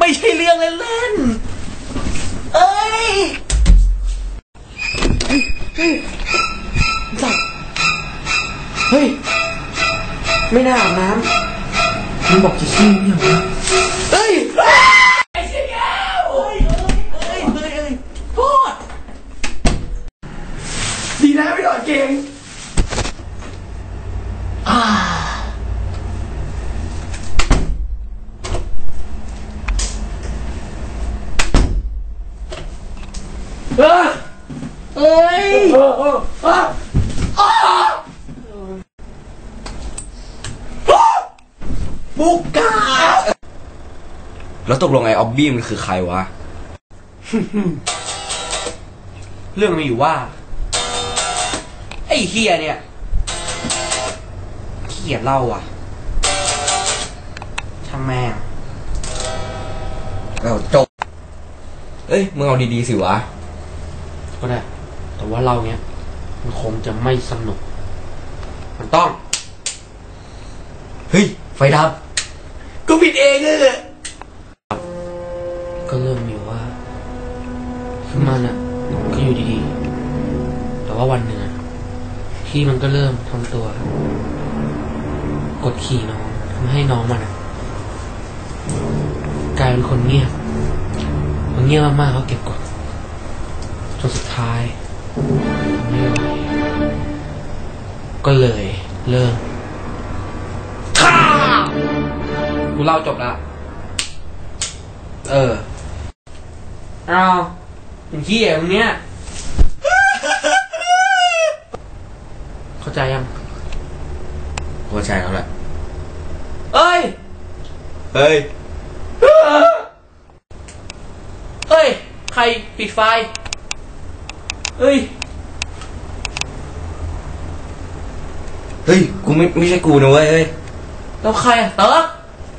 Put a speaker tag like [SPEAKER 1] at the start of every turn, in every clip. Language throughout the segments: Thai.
[SPEAKER 1] ไม่ใช่เรื่องเล่นๆเอ้ยจับเฮ้ยไม่น่าอาบน้ำมันบอกจะขี้เนี่ยวะเฮ้ยไอ้เชี่ยแก้วเฮ้ยโทษดีนะไม่โดนเก่งเอ้ยบุกกาแล้วตกลงไอ้ออบบี้มันคือใครวะ เรื่องมีอยู่ว่าไอ้เฮียเนี่ยเขียดเล่าอ่ะช่างแม่งจบเอ้ยมึงเอาดีๆสิวะก็ได้แต่ว่าเราเนี้ยมันคงจะไม่สนุกมันต้องเฮ้ยไฟดับก็ผิดเองเลยก็เริ่มมีว่าคือมันอ่ะก็อยู่ดีๆแต่ว่าวันหนึ่งพี่มันก็เริ่มทำตัวกดขี่น้องทำให้น้องมันกลายเป็นคนเงียบมันเงียบมากๆเขาเก็บกดจนสุดท้ายไม่ไหวก็เลยเลิกฆ่ากูเล่าจบละเอาเป็นขี้อย่างเนี้ยเข้าใจยังเข้าใจแล้วแหละเอ้ยใครปิดไฟเฮ้ยกูไม่ใช่กูนะเว้ยแล้วใครอ่ะเต๋อ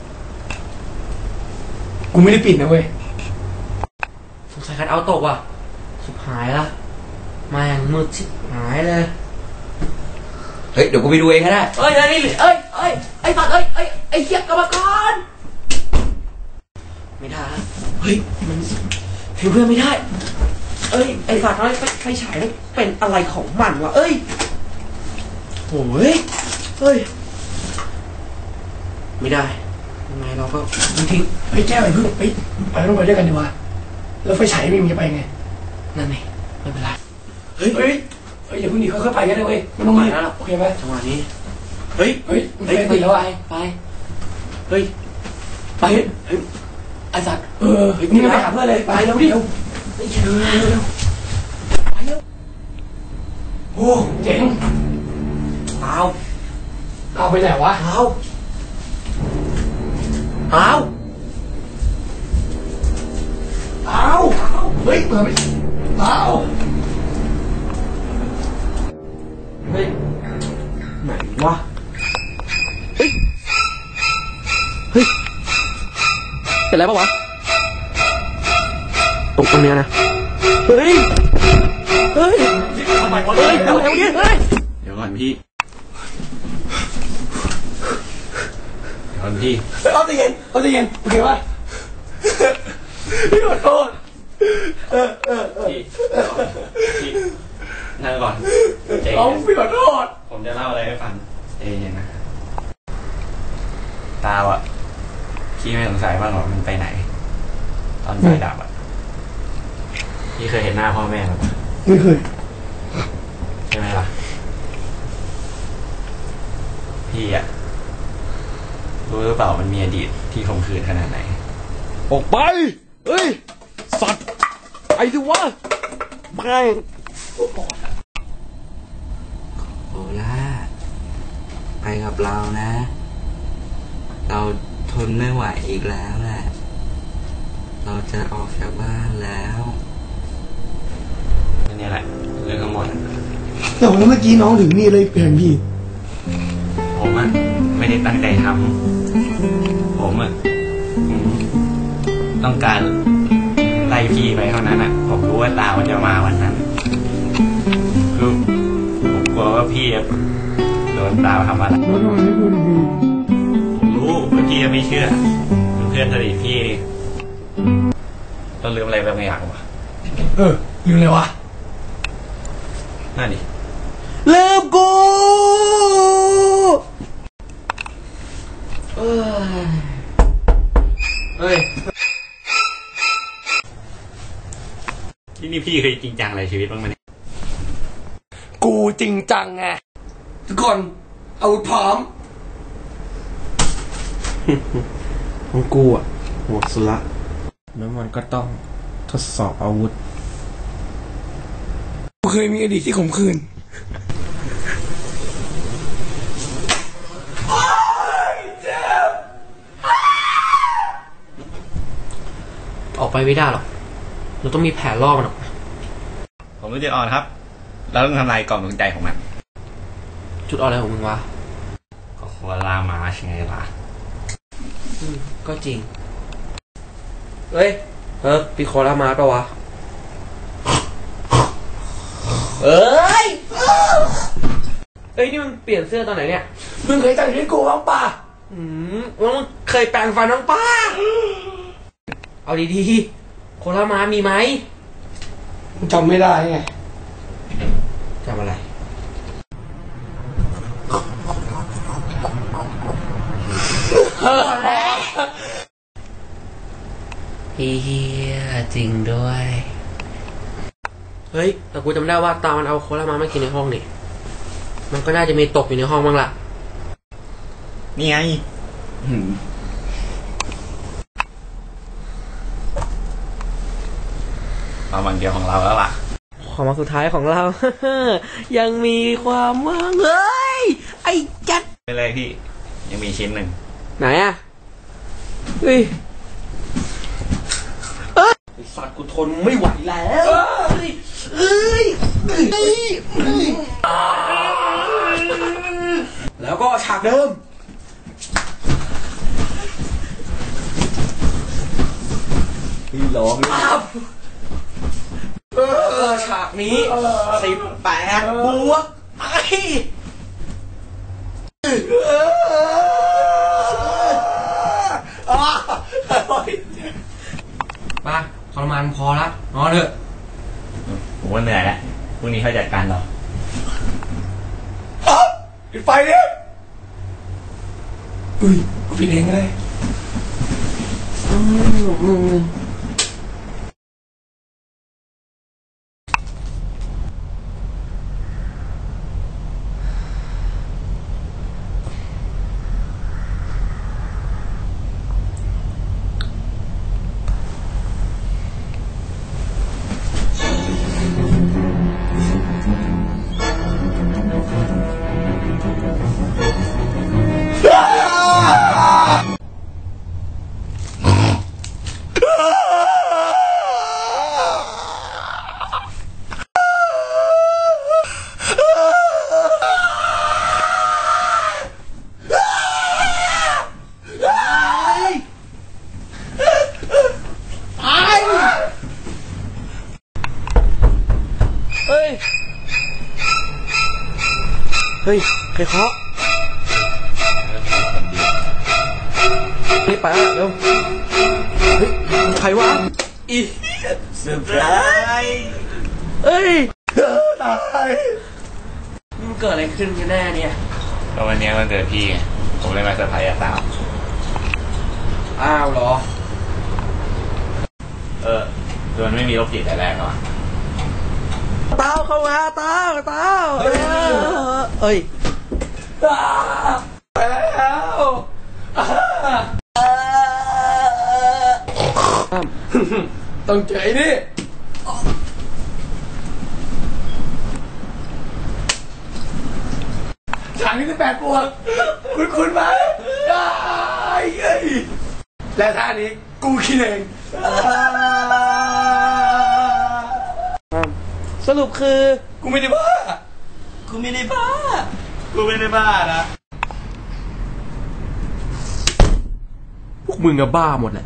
[SPEAKER 1] กูไม่ได้ปิดนะเว้ยสงสัยคันเอาตกว่ะสุดหายละมาอย่างมืดชิบหายเลยเดี๋ยวกูไปดูเองก็ได้ไอ้สัตว์ไอ้เหี้ยกรรมกรไม่ได้มันถือเพื่อนไม่ได้ไอ้สัตว์ไฟฉายเป็นอะไรของมันวะโอ้ยไม่ได้ยังไงเราก็ทิ้ง
[SPEAKER 2] แก้วไอ้พึ่งไปต้องไปด้วยกันดีวะแล้วไฟฉายไม่มีจะไปไง
[SPEAKER 1] นั่นไงไม่เป็นไร
[SPEAKER 2] อย่าเพิ่งดีค่อยๆไปกันเลยเว้ยไม่ต้องรีบโอเคไหม
[SPEAKER 1] จังหวะนี้
[SPEAKER 2] ไปติดแล้ว
[SPEAKER 1] ไปไอ้สัตว์
[SPEAKER 2] นี่ไปหาเพื่อนเลยไปเร็วดิไปเร็วโอ้เจ๋งเอาไปไหนวะ
[SPEAKER 1] เอา
[SPEAKER 2] เปิดไป
[SPEAKER 1] ไหนวะเป็นไรปะวะตรงเนี้ยนะทำไมเดี๋ยวก่อนพี่
[SPEAKER 2] เอาใจเย็นโอเคป่ะพี่ขอโทษ
[SPEAKER 3] พี่นั่งก่อน
[SPEAKER 2] พี่ขอโทษ
[SPEAKER 3] ผมจะเล่าอะไรให้ฟังเย็นนะตาพี่ไม่สงสัยบ้างหรอมันไปไหนตอนไฟดับพี่เคยเห็นหน้าพ่อแม่ไหม
[SPEAKER 2] ไม่เคย
[SPEAKER 3] ใช่ไหมล่ะพี่รู้หรือเปล่ามันมีอดีตที่ข่มขืนขนาดไหน
[SPEAKER 1] ออกไปสัตว์ไอ้สิวะไม่โอล่าไปกับเรานะเราทนไม่ไหวอีกแล้วแหละเราจะออกจากบ้านแล้ว
[SPEAKER 3] นี่แหละเรื่องทั้งหมด
[SPEAKER 2] แต่ว่าเมื่อกี้น้องถึงนี่เลยเปลี่ยนพี่
[SPEAKER 3] ผมไม่ได้ตั้งใจทำผมต้องการไล่พี่ไปเท่านั้นผมรู้ว่าตามันจะมาวันนั้นคือผมกลัวว่าพี่โดนตาทำอะไร
[SPEAKER 2] แล้วทำไมไม่พูดดี
[SPEAKER 3] ผมรู้ว่าพี่ไม่เชื่อเพื่อนสนิทพี่เราลืมอะไรไปบางอย่างวะ
[SPEAKER 2] ลืมเลยวะ
[SPEAKER 3] นั่นดิ
[SPEAKER 1] ลืมกูเฮ้ย
[SPEAKER 3] ที่นี่พี่เคยจริงจังอะไรชีวิตบ้างไหมเนี่ย
[SPEAKER 2] กูจริงจังไงทุกคนเอาพร้อม
[SPEAKER 4] ของกูอ่ะหมดสุดละแล้วมันก็ต้องทดสอบอาวุธ
[SPEAKER 2] กูเคยมีอดีตที่ขมขื่น
[SPEAKER 1] ออกไปไม่ได้หรอกเราต้องมีแผนล่อมันออกมา
[SPEAKER 3] ผมรู้จุดอ่อนครับ เราต้องทำลายกล่องดวงใจของมัน
[SPEAKER 1] จุดอ่อนอะไรของมึงวะ
[SPEAKER 3] ก็โคล่ามาใช่ไงล่ะ
[SPEAKER 1] ก็จริงเฮ้ยปีโคลามาปะวะเอ้ยนี่มึงเปลี่ยนเสื้อตอนไหนเนี่ย
[SPEAKER 2] มึงเคยแต่งให้กูบ้างป่ะ
[SPEAKER 1] แล้วมึงเคยแปรงฟันน้องป้าเอาดีๆโคลามามีไหม
[SPEAKER 2] มึงจำไม่ได้ไง
[SPEAKER 1] จำอะไรเฮียจริงด้วยเฮ้ยแต่กูจำได้ว่าตามันเอาโคลามามากินในห้องนี่มันก็น่าจะมีตกอยู่ในห้องบ้างล่ะ
[SPEAKER 3] นี่ไงเอามันเดียวของเราแล้วล่ะ
[SPEAKER 1] ความหวังสุดท้ายของเรา ยังมีความหวังเฮ้ยไอ้จัด
[SPEAKER 3] ไปเลยพี่ ยังมีชิ้นหนึ่ง
[SPEAKER 1] ไหนอะเฮ้ยไอ้สัตว์กูทนไม่ไหวแล้วแล้วก็ฉากเดิมพี่ร้องฉากนี้18 บวกไอ้ป้าทรมานพอละนอนเถอะ
[SPEAKER 3] ผมว่าเหนื่อยแล้วพรุ่งนี้เขาจัดการเรา
[SPEAKER 2] ปิดไฟดิอุ้ยกูปิดเองก็ได้
[SPEAKER 1] เฮ้ยใครเคาะนี่ไปแล้วเร็วเฮ้ยใครวะอี
[SPEAKER 3] เซอร์ไพรส์
[SPEAKER 1] เอ้ย
[SPEAKER 2] ตาย
[SPEAKER 1] มันเกิดอะไรขึ้นกันแน่เนี่ย
[SPEAKER 3] ก็วันนี้วันเกิดพี่ไงผมเลยมาเซอร์ไพรส์สาว
[SPEAKER 1] อ้าวเหรอ
[SPEAKER 3] คือมันไม่มีโรคจิตแต่แรกหรอ
[SPEAKER 1] เต้าเข้ามาเต้าเอ้ย
[SPEAKER 2] แล้วต้องเจอไอ้นี่ฉากนี้18 บวกคุณไหมและท่านี้กูคิดเอง
[SPEAKER 1] สรุปคือ
[SPEAKER 2] กูไม่ได้บ้า
[SPEAKER 3] กูไม่ได้บ้านะ
[SPEAKER 4] พวกมึงอะบ้าหมดแหละ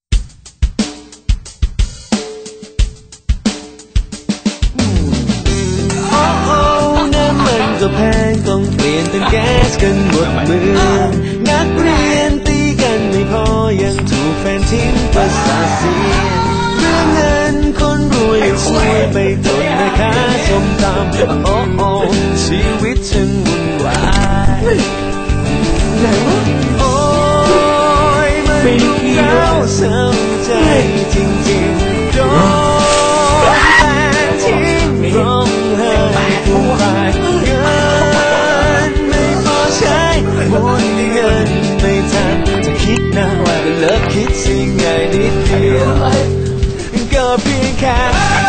[SPEAKER 4] น้ำมันก็แพงต้องเปลี่ยนเป็นแก๊สกันหมดเมืองนักเรียนตีกันไม่พอ
[SPEAKER 5] อยังถูกแฟนทิ้งประสาทเสียเรื่องเงินคนรวยช่วยไปจนแม่ค้าส้มตำโอ้โอ้ชีวิตฉันวุ่นวายโอ้ยมันเศร้าเศร้าใจจริงๆโดนแฟนทิ้งร้องไห้ผู้ชายเงินไม่พอใช้หมดเงินไม่ทันจะคิดนะว่าเลิกคิดสิไง